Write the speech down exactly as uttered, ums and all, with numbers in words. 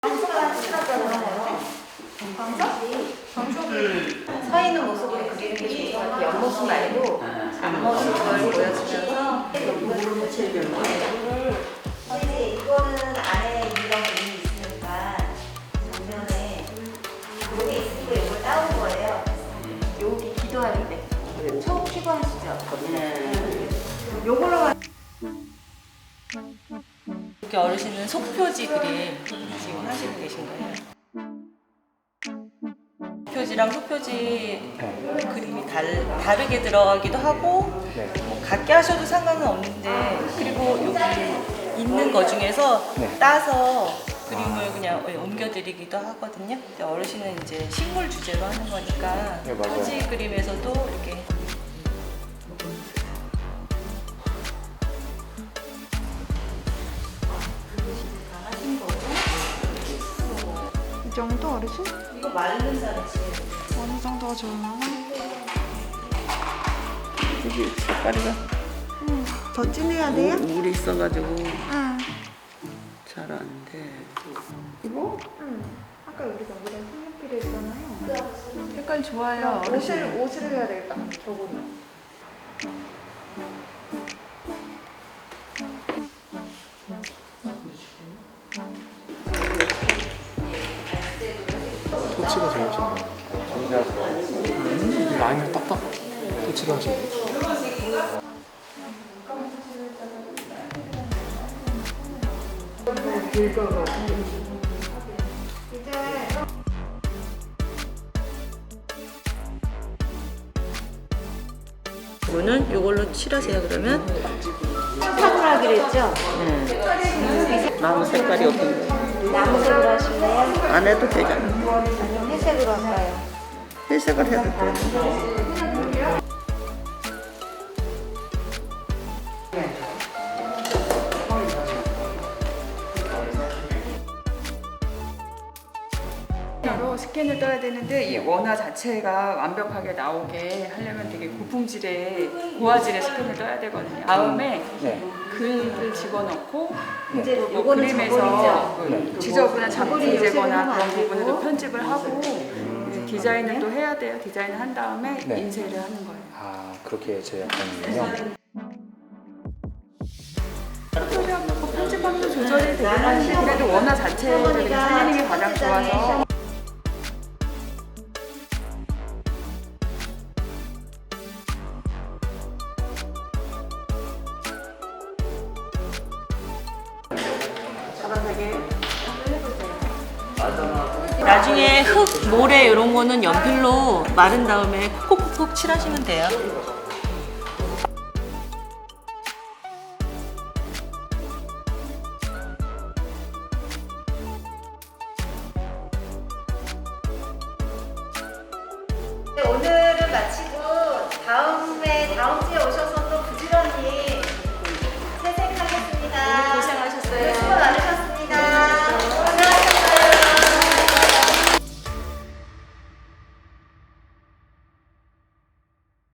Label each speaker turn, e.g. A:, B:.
A: 서 있는 모습으로 그리는 게 좋을 것 같아요. 옆모습 말고 앞모습을 보여주면서 이제 이거는 안에 이런 그림이 있으니까 정면에 이게 있으니까 이걸 따온 거예요. 여기 기도할 때 처음 피부하시죠? 네. 요걸로
B: 이렇게 어르신은 속표지 그림 지금 하시고 계신 거예요. 표지랑 속표지 그림이 달, 다르게 들어가기도 하고 뭐 같게 하셔도 상관은 없는데, 그리고 여기 있는 거 중에서
C: 네.
B: 따서 그림을 그냥 옮겨드리기도 하거든요. 근데 어르신은 이제 식물 주제로 하는 거니까
C: 네, 맞아요.
B: 표지 그림에서도 이렇게
D: 이 정도 어르신?
B: 이거 마른 자르지.
D: 어느 정도가 좋나?
E: 여기 색깔이가
D: 응. 더 진해야 돼요?
E: 물이 있어가지고
D: 응.
E: 잘 안 돼. 이거?
D: 응. 아까 우리가 물에 색연필을 했잖아요.
E: 색깔 좋아요.
D: 옷을 옷을 해야 되겠다. 저거는.
C: 토치가 제일 좋네요. 음, 라인을 딱딱 토치가 하시네.
B: 이거는 이걸로 칠하세요. 그러면
A: 탑을 하기로 했죠?
E: 나무 색깔이 어떤 거?
A: 나무색으로 하실래요?
E: 안 해도 되잖아.
A: 아니면 회색으로 할까요?
E: 회색을 해도 돼.
F: 로 스캔을 떠야 되는데 이 원화 자체가 완벽하게 나오게 하려면 되게 고품질의 고화질의 스캔을 떠야 되거든요. 다음에
C: 네.
F: 글을 집어넣고
A: 이제
F: 또 뭐
A: 요거는
F: 그림에서
A: 저고리죠?
F: 그
C: 네.
F: 지저분한 잡티 제거나
A: 요새는
F: 그런
A: 안 되고.
F: 부분을 또 편집을 하고 이제 디자인을 또 해야 돼요. 디자인을 한 다음에
C: 네.
F: 인쇄를 하는 거예요.
C: 아, 그렇게 제작하는군요.
F: 포토샵 편집하면서 조절이 되긴 하는데 그래도 원화 자체를 살리는 게 가장 좋아서
B: 나중에 흙, 모래 이런 거는 연필로 마른 다음에 콕콕콕 칠하시면 돼요.